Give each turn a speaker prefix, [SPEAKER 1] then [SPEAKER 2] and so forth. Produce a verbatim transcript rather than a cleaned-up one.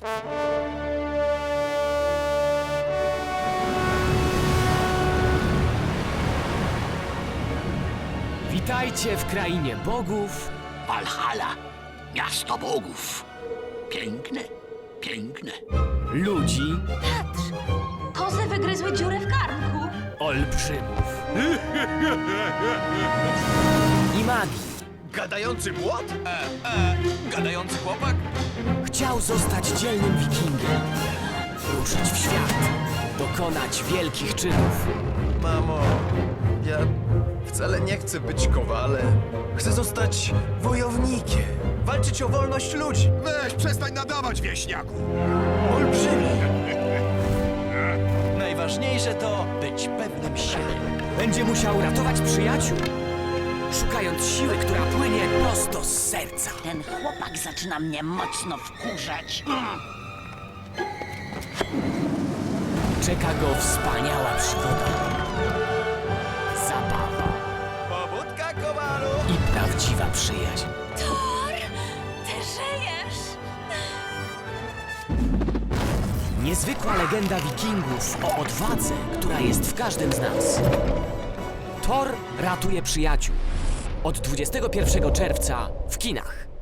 [SPEAKER 1] Witajcie w krainie bogów.
[SPEAKER 2] Valhalla, miasto bogów. Piękne, piękne.
[SPEAKER 1] Ludzi,
[SPEAKER 3] Patrz! Kozy wygryzły dziurę w garnku.
[SPEAKER 1] olbrzymów i magii.
[SPEAKER 4] Gadający młot? E, e, gadający chłopak?
[SPEAKER 1] Chciał zostać dzielnym wikingiem, ruszyć w świat, dokonać wielkich czynów.
[SPEAKER 4] Mamo, ja wcale nie chcę być kowalem. Chcę zostać wojownikiem. Walczyć o wolność ludzi.
[SPEAKER 5] Weź, przestań nadawać, wieśniaku!
[SPEAKER 4] Olbrzymi. Najważniejsze to być pewnym siebie.
[SPEAKER 1] Będzie musiał ratować przyjaciół, szukając siły, która płynie prosto z serca.
[SPEAKER 3] Ten chłopak zaczyna mnie mocno wkurzać.
[SPEAKER 1] Czeka go wspaniała przygoda, zabawa
[SPEAKER 4] Pobudka, kowalu!
[SPEAKER 1] i prawdziwa przyjaźń.
[SPEAKER 3] Thor! Ty żyjesz!
[SPEAKER 1] Niezwykła legenda wikingów o odwadze, która jest w każdym z nas. Thor ratuje przyjaciół. Od dwudziestego pierwszego czerwca w kinach.